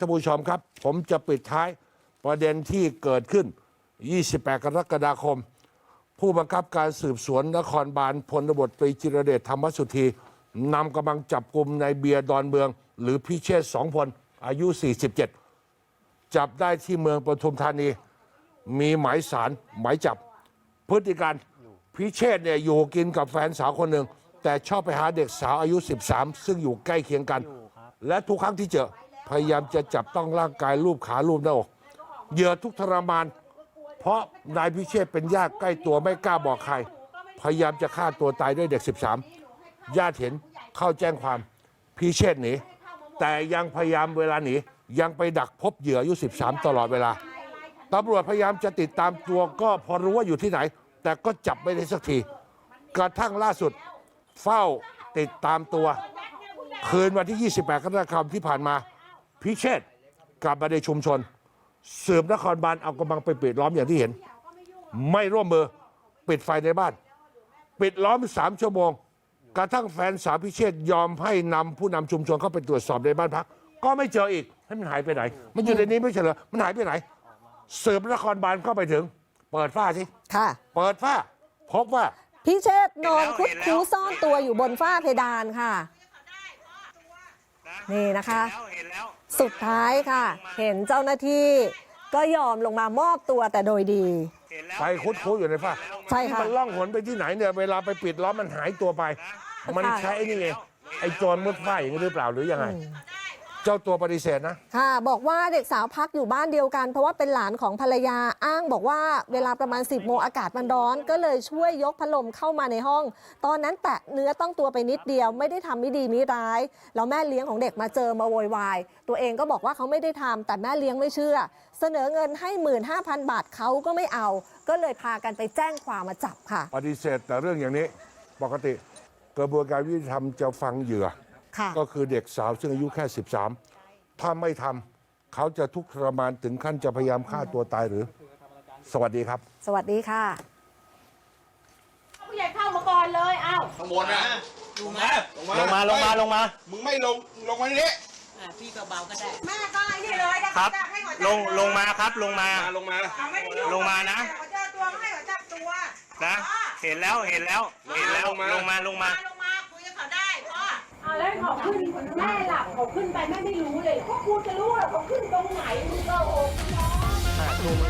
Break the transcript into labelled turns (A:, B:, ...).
A: ท่านผู้ชมครับผมจะปิดท้ายประเด็นที่เกิดขึ้น 28 กรกฎาคม ผู้บังคับการสืบสวนนครบาลพลตบตรีจิรเดชธรรมสุธีนำกำลังจับกลุ่มนายเบียร์ดอนเมืองหรือพิเชษฐ์สองพลอายุ 47 จับได้ที่เมืองปทุมธานีมีหมายสารหมายจับพฤติการพิเชษฐ์เนี่ยอยู่กินกับแฟนสาวคนหนึ่งแต่ชอบไปหาเด็กสาวอายุ 13 ซึ่งอยู่ใกล้เคียงกันและทุกครั้งที่เจอพยายามจะจับต้องร่างกายรูปขารูปหน้าอกเหยื่อทุกทรมานเพราะนายพิเชษฐ์เป็นญาติใกล้ตัวไม่กล้าบอกใครพยายามจะฆ่าตัวตายด้วยเด็ก 13 ญาติเห็นเข้าแจ้งความพิเชษฐ์หนีแต่ยังพยายามเวลาหนียังไปดักพบเหยื่ออายุ 13 ตลอดเวลาตำรวจพยายามจะติดตามตัวก็พอรู้ว่าอยู่ที่ไหนแต่ก็จับไม่ได้สักทีกระทั่งล่าสุดเฝ้าติดตามตัวคืนวันที่ 28 กรกฎาคมที่ผ่านมาพิเชษฐ์กลับมาในชุมชนสืบนครบาลเอากำลังไปปิดล้อมอย่างที่เห็นไม่ร่วมมือปิดไฟในบ้านปิดล้อม3 ชั่วโมงกระทั่งแฟนสาวพิเชษฐ์ยอมให้นำผู้นำชุมชนเข้าไปตรวจสอบในบ้านพักก็ไม่เจออีกให้มันหายไปไหนมันอยู่ในนี้ไม่ใช่เหรอมันหายไปไหนสืบนครบาลเข้าไปถึงเปิดฝ้าสิ
B: ค่ะ
A: เปิดฝ้าพบว่า
B: พิเชษฐ์นอนคุดคู้ซ่อนตัวอยู่บนฝ้าเพดานค่ะนี่นะคะสุดท้ายค่ะเห็นเจ้าหน้าที่ก็ยอมลงมามอบตัวแต่โดยดี
A: ไปคุดคู้อยู่ในฝ้า
B: ใช่ค่ะ
A: มันล่องหนไปที่ไหนเนี่ยเวลาไปปิดล้อมมันหายตัวไปมันใช้ไอ้นี่เองไอ้โจรมุดฝ้าอย่างนี้หรือเปล่าหรือยังไงเจ้าตัวปฏิเสธนะ
B: ค่ะบอกว่าเด็กสาวพักอยู่บ้านเดียวกันเพราะว่าเป็นหลานของภรรยาอ้างบอกว่าเวลาประมาณ 10 โมงอากาศมันร้อนก็เลยช่วยยกพัดลมเข้ามาในห้องตอนนั้นแตะเนื้อต้องตัวไปนิดเดียวไม่ได้ทำไม่ดีไม่ร้ายแล้วแม่เลี้ยงของเด็กมาเจอมาโวยวายตัวเองก็บอกว่าเขาไม่ได้ทำแต่แม่เลี้ยงไม่เชื่อเสนอเงินให้ 15,000 บาทเขาก็ไม่เอาก็เลยพากันไปแจ้งความมาจับค่ะ
A: ปฏิเสธแต่เรื่องอย่างนี้ปกติกระบวนการยุติธรรมจะฟังเหยื่อก็คือเด็กสาวซึ่งอายุแค่ 13ถ้าไม่ทำเขาจะทุกข์ทรมานถึงขั้นจะพยายามฆ่าตัวตายหรือสวัสดีครับ
B: สวัสดีค่ะ
C: ผู้ใหญ่เข้ามาก่อนเลยเอ้า
D: ข้างบนนะ
E: ลงมา
D: มึงไม่ลงมานี่
C: พี่เบาๆก็ได้
F: แม่ก็นี่เลย
E: ครับลงมาครับลงมานะ
F: เขาเจอตัวให้เขาจับตัว
E: นะเห็นแล้วลงมา
F: คุยกับเขาได้พ่อ
C: แล้วเขาขึ้นแม่หลับเขาขึ้นไปแม่ไม่รู้เลยเขาพูดจะรู้ว่าเขาขึ้นตรงไหนมึงก็โอ้